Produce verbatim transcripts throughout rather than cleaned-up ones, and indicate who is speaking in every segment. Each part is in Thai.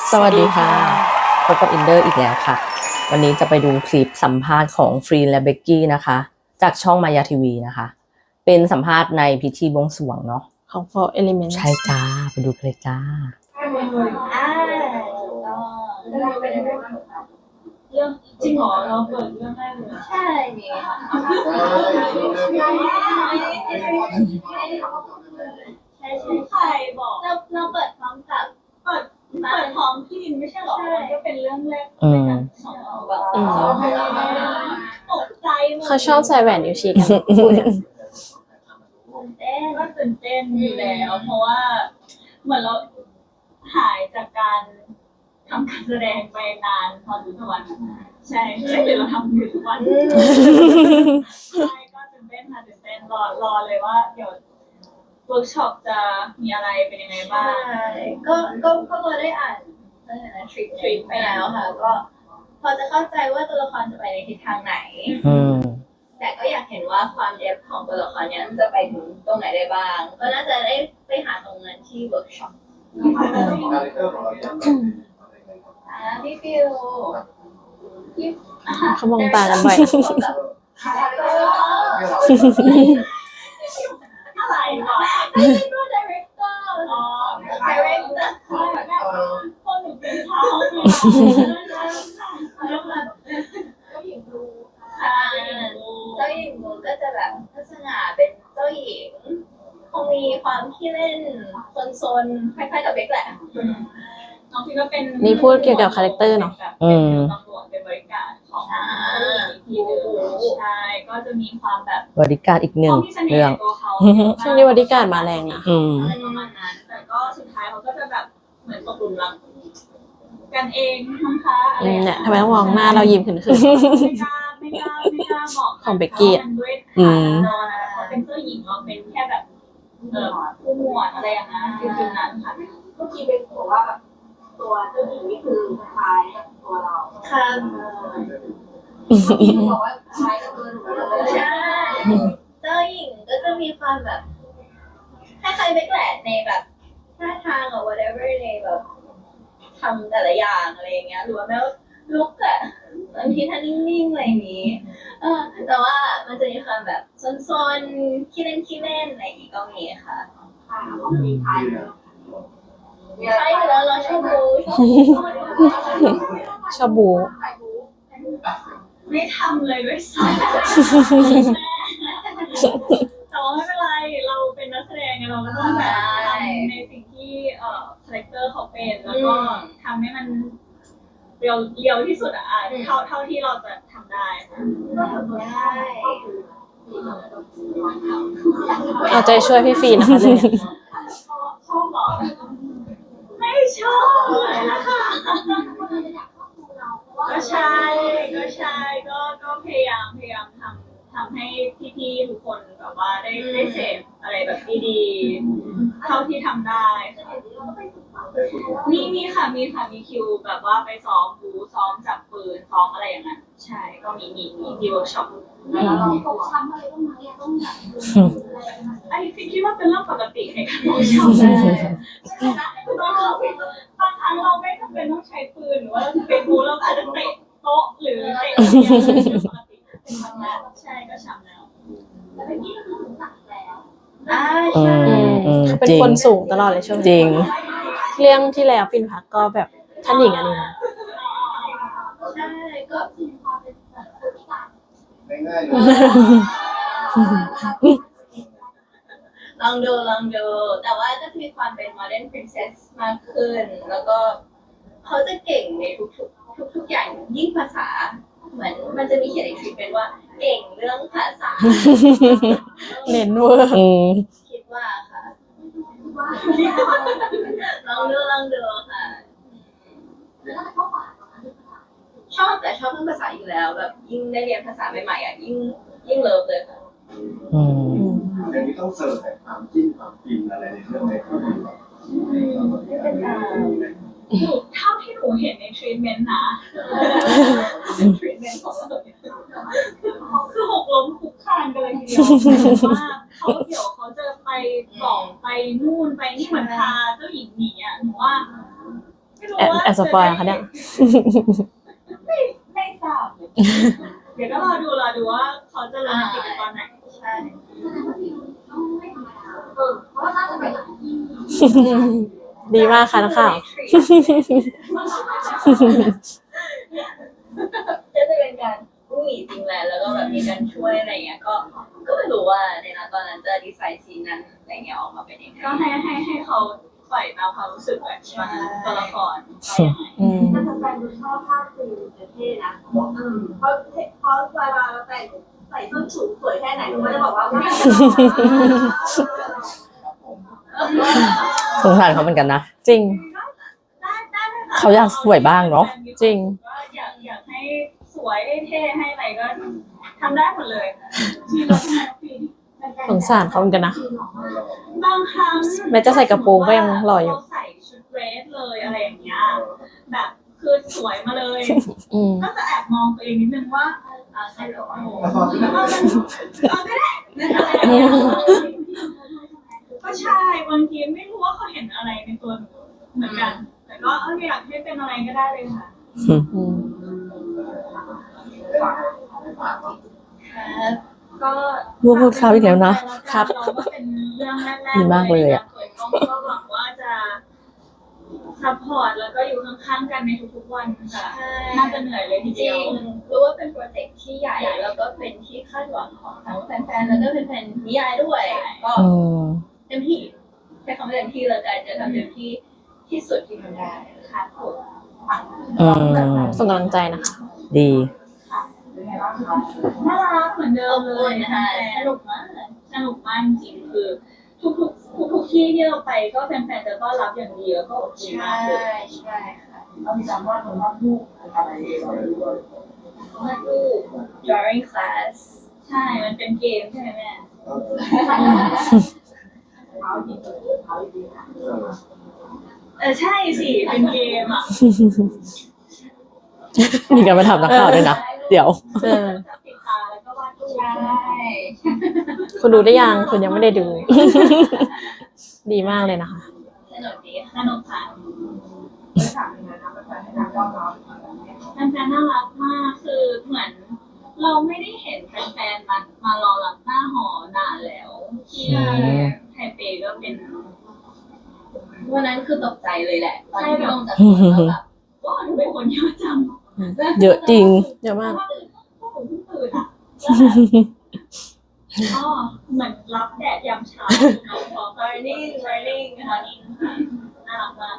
Speaker 1: สวัสดีค่ะพบกับอินเดอร์อีกแล้วค่ะวันนี้จะไปดูคลิปสัมภาษณ์ของฟรีนและเบกกี้นะคะจากช่องมายาทีวีนะคะเป็นสัมภาษณ์ในพิธีบวงสรวงเนาะ
Speaker 2: ของ Four Elements
Speaker 1: ใช่จ้าไปดูกันเลยจ้า
Speaker 3: อ่าก็เรื่องเป็นยังไงบ้างคะเรื่องจริงเหรอเราเปิดเรื่องแรกเลยใช่นี่ค่ะใช่ใช่ใครบอกเราเราเปิดพร้อมกับเปิดเปิดพร้อมพี่ดินไม่ใช่หรอมันก็เป็นเรื่องแรกในการสอนเราแบบตกใจหมด
Speaker 2: เขาชอบใส่แหวนนิ้วชี้กัน
Speaker 3: ตื่นเต้นก็ตื่นเต้นอยู่แล้วเพราะว่าเหมือนเราหายจากการทำการแสดงไปนานพอสมควรใช่ใช่หรือเราทำอยู่ทุกวันใช่ก็ตื่นเต้นค่ะตื่นเต้นรอรอเลยว่าเดี๋ยวเวิร์กช็อปจะมีอะไรเป็นยังไงบ้างก็ก็ก็พอได้อ่านเรื่องนั้นทริปทริปไปแล้วค่ะก็พอจะเข้าใจว่าตัวละครจะไปในทิศทางไหนแต่ก็อยากเห็นว่าความเดฟของตัวละครเนี้ยจะไปถึงตรงไหนได้บ้างก็น่าจะได้ไปหาตรงนั้นที่เวิร์กช็อปพี่ฟิวพี่
Speaker 2: เขามองตากันบ่อย
Speaker 3: อะไรวะไม่ใช่ตัวดีเรคเตอร์อ๋อดีเรคเตอร์คนหนูเป็นเท้าเจ้าหญิงดูใช่เจ้าหญิงดูก็จะแบบลักษณะเป็นเจ้าหญิงคงมีความขี้เล่นซนๆคล้ายๆกับเบคแหละน้องพี่ก็เป็น
Speaker 2: นี่พูดเกี่ยวกับคาแรคเตอร์เนาะ
Speaker 1: อืม
Speaker 3: ตำรวจเป็นบริการของทีนึงใช่ก็จะมีความแบบ
Speaker 1: บริการอีกหนึ่งเรื่อง
Speaker 2: ช่วงนี้บริการมาแรงนะ
Speaker 3: อะไรประมาณนั้นแต่ก็สุดท้ายเขาก็จะแบบเหมือนตกหลุมรักกันเองมั้งคะอะไร
Speaker 2: เนี่ยทำไมต้องมองหน้าเรายิ้มขึ้นขึ้น
Speaker 3: ไม่กล้าไม่กล้าไม่กล้าบอก
Speaker 2: ของเบกกี้
Speaker 3: ด้วยค่ะเขาเป็นเจ้าหญิงเราเป็นแค่แบบเออผู้หมวดอะไรอย่างนั้นคือจุดนั้นค่ะเมื่อกี้เป็นบอกว่าแบบตัวเจ้าหญิงนี่คือคล้ายกับตัวเราค่ะบอกว่าคล้ายกับตัวหนูเลยใช่เจ้าหญิงก็จะมีความแบบคล้ายๆเบคแหละในแบบท่าทางหรือ whatever ในแบบทำแต่ละอย่างอะไรอย่างเงี้ยหรือว่าแม้ว่าลุกอะบางทีท่านิ่งๆอะไรอย่างงี้เออแต่ว่ามันจะมีความแบบซนๆขี้เล่นขี้เล่นอะไรอย่างงี้ก็มีค่ะค่ะของมีใครใช่แล้วเราชอบบู
Speaker 2: ชอบบู
Speaker 3: ไม่ทำเลยด้วยซ้ำแต่ว่าไม่เป็นไรเราเป็นนักแสดงไงเราก็ต้องแบบทำในสิ่งที่เอ่อคาแรคเตอร์เขาเป็นแล้วก็ทำให้มันเรียวเรียวที่สุดอ่ะเท่าเท่าที่เราจะทำได้ได้
Speaker 2: เอาใจช่วยพี่ฟีนะคะเลย
Speaker 3: ชอบหรอไม่ชอบเลยนะคะก็ใช่ก็ใช่ก็ก็พยายามพยายามทำทำให้พี่ๆทุกคนแบบว่าได้ได้เสพอะไรแบบดีๆเท่าที่ทำได้มีมีค่ะมีค่ะมีคิวแบบว่าไปซ้อมบูซ้อมจับปืนซ้อมอะไรอย่างนั้นใช่ก็มีมีมีที่เวิร์กช็อปแล้วเราฟกช้ำอะไรต้องไหมต้องแบบไอ้พี่คิดว่าเป็นเรื่องปกติในการเวิร์กช็อปเลยบางครั้งเราไม่จำเป็นต้องใช้ปืนหรือว่าเราจะเป็นบูเราอาจจะเตะโต๊ะหรือเตะอะไรอย่างเงี้ยปกติเป็นธรรมดาใช่ก็ช้ำแล้วแล้วเมื่อกี้ก็คือสูงสักแล้วอ่าใช่
Speaker 2: เขาเป็นคนสูงตลอดเลยช่วง
Speaker 1: จริง
Speaker 2: เรื่องที่แล้วฟินพักก็แบบท่านหญิงอันนี้นะ
Speaker 3: ใช่ก็มีความเป็นแบบง่ายๆลองดูลองดูแต่ว่าก็จะมีความเป็น modern princess มากขึ้นแล้วก็เขาจะเก่งในทุกๆทุกๆอย่างยิ่งภาษาเหมือนมันจะมีเขียนในคลิปเป็นว่าเก่งเรื่องภาษา
Speaker 2: เน้นเวอร์
Speaker 3: คิดว่าค่ะลองดูลองดูค่ะชอบแต่ชอบเรื่องภาษาอยู่แล้วแบบยิ่งได้เรียนภาษาใหม่ๆอ่ะยิ่งยิ่งเลิฟเลยค่ะ
Speaker 1: อืม
Speaker 4: เรื่องนี้ต้องเสิร์ฟแต่ความจิ้นความฟินอะไรในเรื่องในก็มี
Speaker 3: เท่าที่หนูเห็นในทรีทเมนต์นะทรีทเมนต์ของเราคือหกล้มคุกคานกันเลยทีเดียวว่าเขาเดี๋ยวเขาจะไปบอกไปนู่นไปนี่เหมือนพาเจ้าหญิงหนีอ่ะหนูว่าไม่รู้
Speaker 2: แอบแอบสปอยล์เหรอคะเนี่ย
Speaker 3: ไม่ไม่ทราบเลยเดี๋ยวก็รอดูรอดูว่าเขาจะลงติดตอนไหนใช่
Speaker 2: ดีมากค่ะนักข่าว
Speaker 3: จะจะเป็นการวิ่งหนีจริงแหละแล้วก็แบบมีการช่วยอะไรเงี้ยก็ก็ไม่รู้ว่าในนั้นตอนนั้นจะดีไซน์ซีนนั้นอะไรเงี้ยออกมาเป็นยังไงก็ให้ให้ให้เขาปล่อยตามความรู้สึกแบบตอนนั้นตัวละครไปยังไง
Speaker 2: อืม
Speaker 5: แต่แฟนๆดูชอบภาพฟิล์มเท่นะอืมเพราะเพราะเวลาเราแต่งใส่ส้นสูงสวยแค่ไหนทุกคนจะบอกว่าว้าว
Speaker 1: สงสารเขาเหมือนกันนะ
Speaker 2: จริง
Speaker 3: ได้ได้ไหมคะ
Speaker 1: เขาอยากสวยบ้างเนอะ
Speaker 2: จริง
Speaker 3: ก็อยากอยากให้สวยให้เท่ให้อะไรก็ทำได้หมดเลยที่เราทำฟิล์ม
Speaker 2: สงสารเขาเหมือนกันนะ
Speaker 3: บางครั้ง
Speaker 2: แม้จะใส่กระโปรงก็ยังหล่ออยู่
Speaker 3: เราใส่ชุดเดรสเลยอะไรอย่างเงี้ยแบบคือสวยมาเลย
Speaker 2: อืม
Speaker 3: ก็จะแอบมองตัวเองนิดนึงว่าอ่าใส่กระโปรงแล้วก็มันเอาไม่ได้อะไรอย่างเงี้ยก็ใช่บางทีไม่รู้ว่าเขาเห็นอะไรในตัวหนูเหมือนกัน แต่ก็เอออยากให้เป็นอะไรก็ได้เลยค่ะ
Speaker 2: อืม
Speaker 3: ก็
Speaker 1: พูดพูดครับอีกแล้วนะครับ
Speaker 3: เราก็เป็นเรื่องแรกๆ
Speaker 1: ดีมากเลยอะ
Speaker 3: เปิดกล้องก็หวังว่าจะซัพพอร์ตแล้วก็อยู่ข้างๆกันในทุกๆวันค่ะน่าจะเหนื่อยเลยที
Speaker 6: จ
Speaker 3: เดี
Speaker 6: ริ
Speaker 3: ยว
Speaker 6: งรู้ว่าเป็นโปรเจกต์ที่ใหญ่แล้วก็เป็นที่คาดหวังของทั้งแฟนๆแล้วก็แฟนๆนิยายด้วย ก็
Speaker 1: อืม
Speaker 6: เต็มที่ใช้คำว่าเต็มที่เลยกันจะทำเต็มที่ที่สุดที่ทำได้
Speaker 3: ค่ะผม
Speaker 1: อืม
Speaker 2: ส่งกำลังใจนะคะ
Speaker 1: ดี
Speaker 3: น่ารักเหมือนเดิมเลยนะคะสนุกมากสนุกมากจริงๆคือทุกๆทุกๆที่ที่เราไปก็แฟนๆจะต้อนรับอย่างดีแล้วก็อบอุ่น
Speaker 6: ใช่
Speaker 3: มากเลย
Speaker 6: ใช่ค่ะ
Speaker 5: เรามีการวาดวาดรูปอะไรด้วย
Speaker 6: มาดู drawing class
Speaker 3: ใช่ มันเป็นเกมใช่ไหมแม่
Speaker 5: เขาดีเขาดีนะ
Speaker 3: เออใช่สิเป็นเกมอ่ะ
Speaker 1: มีการมาถามนักข่าวด้วยนะ เดี๋ยว
Speaker 2: เออ
Speaker 3: จับปิดตาแล้วก็วาดรูป
Speaker 6: ใช่
Speaker 2: คุณดูได้ยังคุณยังไม่ได้ดู ดีมากเลยนะคะ
Speaker 6: สนุกดี
Speaker 3: ส
Speaker 6: ค่ะ
Speaker 3: นุกค่ะ
Speaker 5: ไม่ถามยังไงนะแฟนๆให้การต้อนรับ
Speaker 3: แฟนๆน่ารักมากคือเหมือน เราไม่ได้เห็นแฟนๆมามารอรับหน้าหอนานแล้วที่ไทเปก็เป็น
Speaker 6: วันนั้นคือตกใจเลยแหละตอนที่ลงจากรถแล้วแบบ
Speaker 3: ว่าทำไมคนเยอะจัง
Speaker 1: เยอะจริง
Speaker 2: เยอะมาก
Speaker 3: พวกผมเพิ่งตื่นอ่ะแล้วแบบอ๋อเหมือนรับแดดยามเช้าของ
Speaker 6: running running ค่ะ
Speaker 3: น่ารักมาก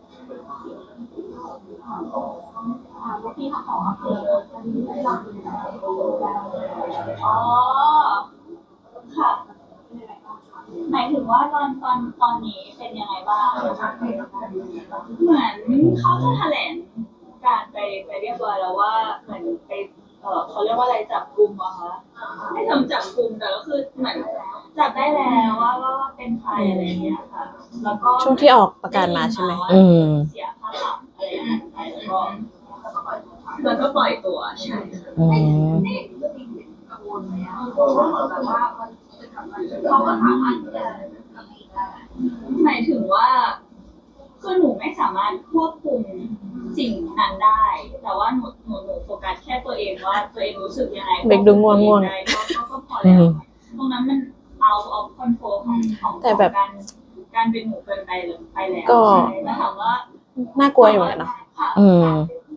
Speaker 5: ที่เขาขอคือเราดูแล
Speaker 3: อ๋อค่ะหมายถึงว่าตอนตอนตอนนี้เป็นยังไงบ้างเหมือนเขาจะแถลงการไปไปเรียบร้อยแล้วว่าเหมือนไปเออเขาเรียกว่าอะไรจับกลุ่มอะคะไม่ทำจับกลุ่มแต่ก็คือเหมือนจับได้แล้วว่าว่าว่าเป็นใครอะไรอย่างเงี้ยค่ะ แล้วก็
Speaker 2: ช่วงที่ออกประกาศมาใช่ไหม
Speaker 1: อืม
Speaker 3: เสียค่าปรับอะไรอย่างเงี้ยไปแล้วก็แล้วก็ปล่อยตัวใช่
Speaker 1: อืม
Speaker 5: กังวลไหมอ่ะเพราะว่าแบบว่ามันจะกลับมาเขาก็สามารถที่จะทำเองได้
Speaker 3: หมายถึงว่าคือหนูไม่สามารถควบคุมสิ่งนั้นได้ แต่ว่าหนูหนูหนูโฟกัสแค่ตัวเองว่าตัวเองรู้สึกยังไง
Speaker 2: เบรกดูง่วงง่วง
Speaker 3: ได้ก็ก็ก็พอแล้วตรงนั้นมันเอาเอาคอนโทรลของของ
Speaker 2: แต่แบบ
Speaker 3: การการเป็นหนูเกินไปเลยไปแล้ว
Speaker 2: ก็
Speaker 3: ใช่แล้วถามว่า
Speaker 2: น่ากลัวอยู่เหมือนกันเนาะ
Speaker 3: ค่ะ
Speaker 1: อืม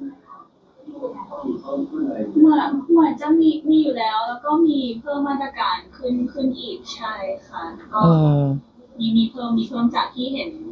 Speaker 3: เหมือนเหมือนจะมีมีอยู่แล้ว แล้วก็มีเพิ่มมาตรการขึ้นขึ้นอีกใช่ค่ะก็
Speaker 1: อืม
Speaker 3: มีมีเพิ่มมีเพิ่มจากที่เห็น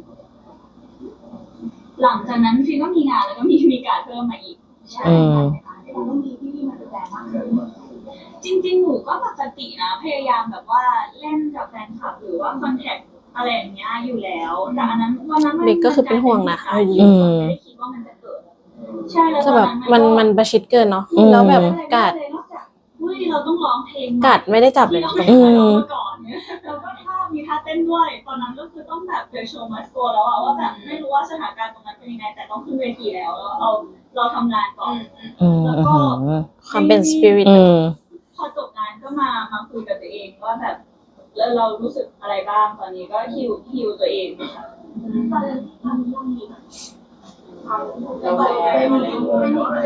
Speaker 3: หลังจากนั้นฟิล์มก็มีงานแล้วก็มีมีการเพิ่มมาอีกใช่
Speaker 1: อืม
Speaker 5: เราต้องมีที่มาดูแลมากขึ้น
Speaker 3: จริงๆหนูก็ปกตินะพยายามแบบว่าเล่นกับแฟนคลับหรือว่าคอนแทคอะไรอย่างเงี้ยอยู่แล้วแต่อันนั้นวันนั้นมัน
Speaker 2: เด็กก็คือเป็นห่วงนะ
Speaker 3: มั
Speaker 1: อืม
Speaker 3: ไม่ได้คิดว่ามันจะเกิดใช่แล้ว
Speaker 2: แต่แบบมันมันประชิดเกินเนาะ
Speaker 1: อืม
Speaker 2: แล้วแบบกาด
Speaker 3: นอกจากเฮ้ยเราต้องร้องเพลง
Speaker 2: กาดไม่ได้จับเลย
Speaker 3: ที่
Speaker 2: นะ
Speaker 3: เรา
Speaker 2: ตรง
Speaker 3: ไม่
Speaker 2: นี้
Speaker 3: เคยร้องมาก่อนเนี่ยแล้วก็ท่ามีท่าเต้นด้วย ตอนนั้นก็คือต้องแบบเดโชว์มาสโกแล้วอะว่าแบบไม่รู้ว่าสถานการณ์ตรงนั้นเป็นยังไง แต่ต้องขึ้นเวทีแล้วแล้วเอาเราทำงานก่อน
Speaker 1: อืม
Speaker 3: แล้ว
Speaker 1: อื
Speaker 3: ก็
Speaker 1: ม
Speaker 2: ความเป็นสปิริต
Speaker 1: อืม
Speaker 3: พอจบงานก็มามาคุยกับตัวเองว่าแบบแล้วเรารู้สึกอะไรบ้างตอนนี้ก็ฮิวฮิวตัวเองค่ะ
Speaker 5: ตอนนี้ตอนนี้ยังมีแบบความระบบเป็นเป็นอะไร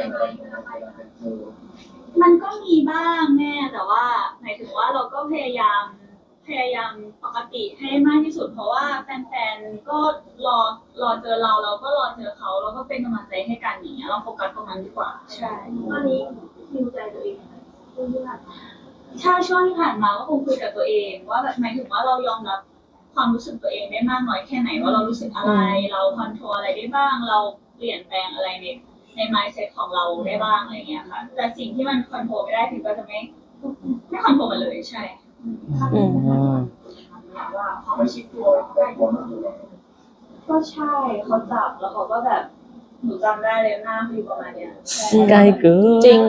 Speaker 3: มันก็มีบ้างแม่แต่ว่าหมายถึงว่าเราก็พยายามพยายามปกติให้มากที่สุด เพราะว่าแฟนๆก็รอรอเจอเราเราก็รอเจอเขาเราก็เป็นกำลังใจให้กันอย่างเงี้ยเราโฟกัสตรงนั้นดีกว่าใช่
Speaker 5: ตอนนี้ฮิวใจตัวเองเรื่องที่ผ่านมา
Speaker 3: ถ้าช่วงที่ผ่านมาก็คงคุยกับตัวเองว่าแบบหมายถึงว่าเรายอมรับความรู้สึกตัวเองได้มากน้อยแค่ไหนว่าเรารู้สึกอะไร เราคอนโทรลอะไรได้บ้าง เราเปลี่ยนแปลงอะไรในใน mindset ของเราได้บ้างอะไรเงี้ยค่ะแต่สิ่งที่มันคอนโทรลไม่ได้ถึงก็จะไม่ไม่คอนโทรลมันเลยใช่
Speaker 1: อืม
Speaker 5: ว่าเขาไม่ชิดตัวใกล้ตัวมากเลย
Speaker 3: ก็ใช่เขาจับแล้วเขาก็แบบหนูจำได้เลยหน้าคือประมาณเนี้ยใช่
Speaker 1: ใกล้เกิน
Speaker 2: จริง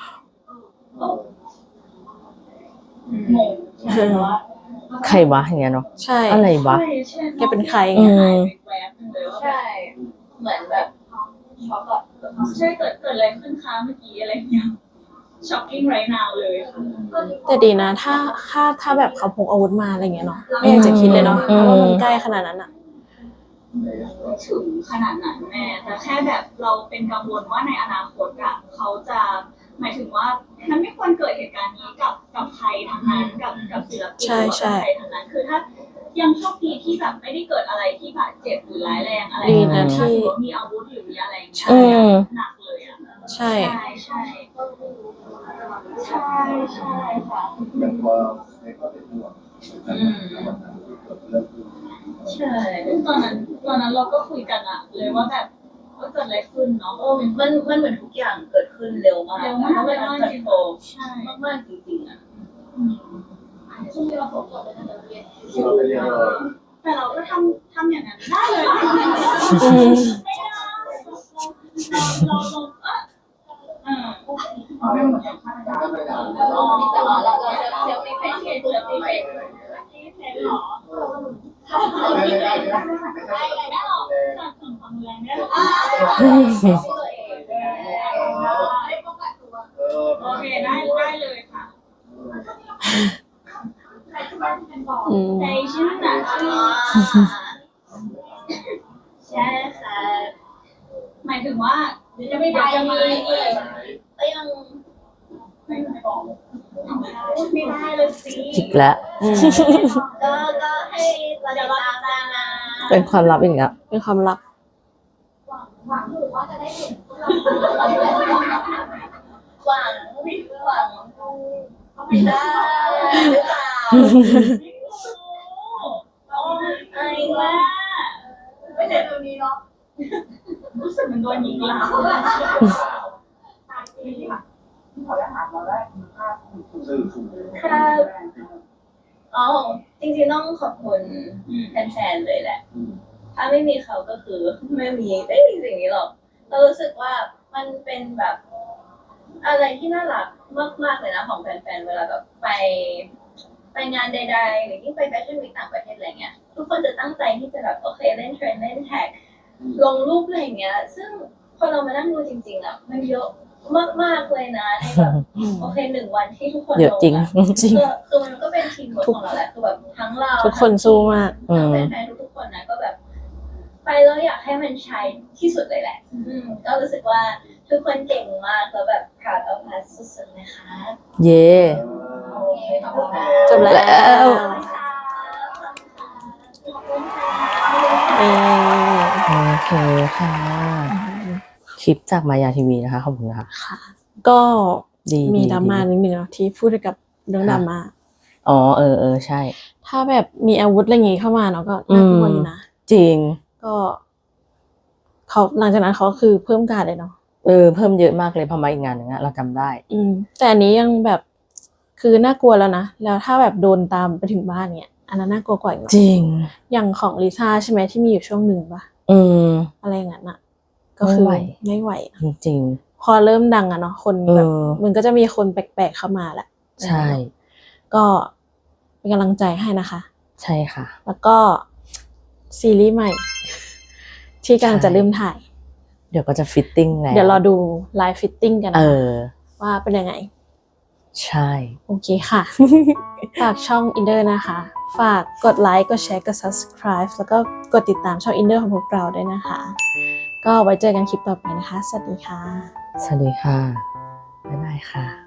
Speaker 3: งงใช่แต่ว่า
Speaker 1: ใครวะอย่างเงี้ยเนาะ
Speaker 2: ใช่
Speaker 1: อะไรวะ
Speaker 3: ใช่ใช่
Speaker 2: แกเป็นใคร
Speaker 1: อื
Speaker 2: เงี้ย
Speaker 1: ม
Speaker 3: แวบนึงเลยว่า
Speaker 6: ใช่ เหมือนแบบช็อกอะ
Speaker 3: ใช่เกิดเกิดอะไรขึ้นคะเมื่อกี้อะไรเงี้ย shocking right now เลยค่ะ
Speaker 2: แต่ดีนะ ถ้าถ้าถ้าแบบเขาพกอาวุธมาอะไรเงี้ยเนาะไม่อยากจะคิดเลยเนาะ
Speaker 1: อืม
Speaker 2: เพราะว่ามันใกล้ขนาดนั้นอะ
Speaker 3: ไม่ถึงขนาดนั้นแม่แต่แค่แบบเราเป็นกังวลว่าในอนาคตอะเขาจะหมายถึงว่ามันไม่ควรเกิดเหตุการณ์นี้กับกับใครทั้งนั้นกับกับศิลปินหรือว่ากับใครทั้งนั้นคือถ้ายังโชคดีที่แบบไม่ได้เกิดอะไรที่บาดเจ็บหรือร้ายแรงอะไร
Speaker 2: ดีนะที่
Speaker 3: ถ้าสมมติมีอาวุธหรือมีอะไรอย่างเงี้ย
Speaker 1: อืม
Speaker 3: หนักเลยอะ
Speaker 2: ใช่
Speaker 3: ใช่ใช่ใช่ใช่ค่ะ
Speaker 4: อย่างพอในข้อเป็นห่วงวันนั้นที่เกิดเรื่องขึ้น
Speaker 3: ใช่ตอนนั้นตอนนั้นเราก็คุยกันอะเลยว่าแบบว่าเกิดอะไรขึ้นเนาะ
Speaker 6: โอ้มันมันเหมือนทุกอย่างเกิดขึ้นเร็วมาก
Speaker 3: เร็วมาก
Speaker 6: เล
Speaker 3: เร็
Speaker 6: ยว
Speaker 3: มาก
Speaker 6: คอน
Speaker 3: จริง
Speaker 6: โทรล
Speaker 3: ใช่
Speaker 6: มากๆจริงๆอะ
Speaker 5: ช่วงที่เราสอบสอบเป็นนักเรียน
Speaker 4: ที่เราไปเรียนเลย
Speaker 3: แต่เราก็ทำทำอย่างนั้นได้เลย
Speaker 2: อืม
Speaker 3: ไม่ได้เราเราเราเออ
Speaker 4: เอาเรื่องมันค่อนข้างยากเลยนะ
Speaker 6: อ๋อแต่ว่าเราเราเซลฟี่เฟซเซลฟี่เฟซ
Speaker 3: ที่เซนหรอ
Speaker 4: ไม่ได้ไม่ได้ไม่ได้
Speaker 3: ได้เลยได้หรอจากถึงความแรงได้หรอ
Speaker 6: ตัวเอง
Speaker 5: ได้ป้องกันตัว
Speaker 4: เออ
Speaker 3: โอเคได้ได้เลยค่ะ
Speaker 5: ใครที่บ้านที่เป็นบอก
Speaker 2: อืม
Speaker 3: ใจชื่นอ่ะ
Speaker 6: ใช่ค่ะ
Speaker 3: หมายถึงว่าจะไม่จะมีอีก
Speaker 6: ก็ยัง
Speaker 3: ไม่บอกไม่ได้เลยสิ
Speaker 1: อีกแล้ว
Speaker 2: อืม
Speaker 6: ก็ก็ให้เราติดตามกันนะ
Speaker 1: เป็นความลับอีกแล้ว
Speaker 2: เป็นความลับ
Speaker 5: หวังอยู่ว่าจะได้เห็นพวกเรา
Speaker 6: หวังหวังไม่ได้หรือเปล่า
Speaker 3: โอ้ย
Speaker 6: ไอ้
Speaker 3: แม่
Speaker 5: ไม่เห็นตรงนี้เนาะ
Speaker 3: รู้สึกเหมันโดนยิงหลัง
Speaker 4: สื่อถูก
Speaker 6: ค่ะอ๋อจริงๆต้องขอบคุณแฟนๆเลยแหละ ถ้าไม่มีเขาก็คือไม่มีไม่มีสิ่งนี้หรอก เรารู้สึกว่ามันเป็นแบบอะไรที่น่ารักมากๆเลยนะของแฟนๆเวลาแบบไปไปงานใดๆหรือยิ่งไปแฟชั่นวีคต่างประเทศอะไรเงี้ยทุกคนจะตั้งใจที่จะแบบโอเคเล่นเทรนด์เล่นแท็กลงรูปอะไรเงี้ย ซึ่งพอเรามานั่งดูจริงๆอ่ะมันเยอะมากๆเลยนะในแบบโอเคหนึ่งวันที่ทุกคน
Speaker 1: เยอะจริง
Speaker 6: ลง
Speaker 2: จริง
Speaker 6: คือคือมันก็เป็นทีมเวิร์คของเราแหละคือแบบทั้งเรา
Speaker 2: ทุกคนสู้มาก
Speaker 1: อืม
Speaker 6: แฟนๆทุกๆคนนะก็แบบ ไปแล้วอยากให้มันใช้ที่สุดเลยแหละ อืมก็รู้สึกว่าทุกคนเก่งมากแล้วแบบ proud of us สุดๆนะคะ
Speaker 1: เย่
Speaker 6: โอเคขอบคุณค่ะ
Speaker 2: จบแล้ว
Speaker 1: แล้ว
Speaker 2: เออ
Speaker 1: โอเคค่ะ คลิปจากมายาทีวีนะคะ ขอบคุณค่ะ
Speaker 2: ก็
Speaker 1: ดี
Speaker 2: มี
Speaker 1: ดี
Speaker 2: ดราม่า
Speaker 1: ดี
Speaker 2: นิดนึงเนาะที่พูดเกี่ยวกับเรื่องดราม่า
Speaker 1: อ๋อเออเออใช่
Speaker 2: ถ้าแบบมีอาวุธอะไรอย่างงี้เข้ามาเนาะก็น่ากลัวอยู่นะ
Speaker 1: จริง
Speaker 2: ก็เขาหลังจากนั้นเขาคือเพิ่มการดเลยเนาะ
Speaker 1: เออ เพิ่มเยอะมากเลยพอมาอีกงานหนึ่งอะเราจำได้
Speaker 2: อืม แต่อันนี้ยังแบบคือน่ากลัวแล้วนะแล้วถ้าแบบโดนตามไปถึงบ้านเนี่ยอันนั้นน่ากลัวกว่าอีกเนอะ
Speaker 1: จริง
Speaker 2: อย่างของลิซ่าใช่ไหมที่มีอยู่ช่วงหนึ่งปะ
Speaker 1: อืม
Speaker 2: อะไรอย่างนั้นอะก็คือ
Speaker 1: ไม่ไหว
Speaker 2: ไม่ไหว
Speaker 1: จริง
Speaker 2: พอเริ่มดังอะเนาะคนแบบ
Speaker 1: เออ
Speaker 2: มันก็จะมีคนแปลกๆเข้ามาแหละ
Speaker 1: ใช่
Speaker 2: ก็เป็นกำลังใจให้นะคะ
Speaker 1: ใช่ค่ะ
Speaker 2: แล้วก็ซีรีส์ใหม่ ที่กำลังจะเริ่มถ่าย
Speaker 1: เดี๋ยวก็จะฟิตติ้งแล้ว
Speaker 2: เดี๋ยวรอดูไลฟ์ฟิตติ้งกัน
Speaker 1: เอ
Speaker 2: นะ
Speaker 1: อ
Speaker 2: ว่าเป็นยังไง
Speaker 1: ใช่
Speaker 2: โอเคค่ะ ฝากช่อง Inder นะคะ ฝากกดไลค์ กดแชร์ กด subscribe แล้วก็กดติดตามช่อง Inder ของพวกเราด้วยนะคะก็ไว้เจอกันคลิปต่อไปนะคะ สวัสดีค่ะ
Speaker 1: สวัสดีค่ะ บ๊ายบายค่ะ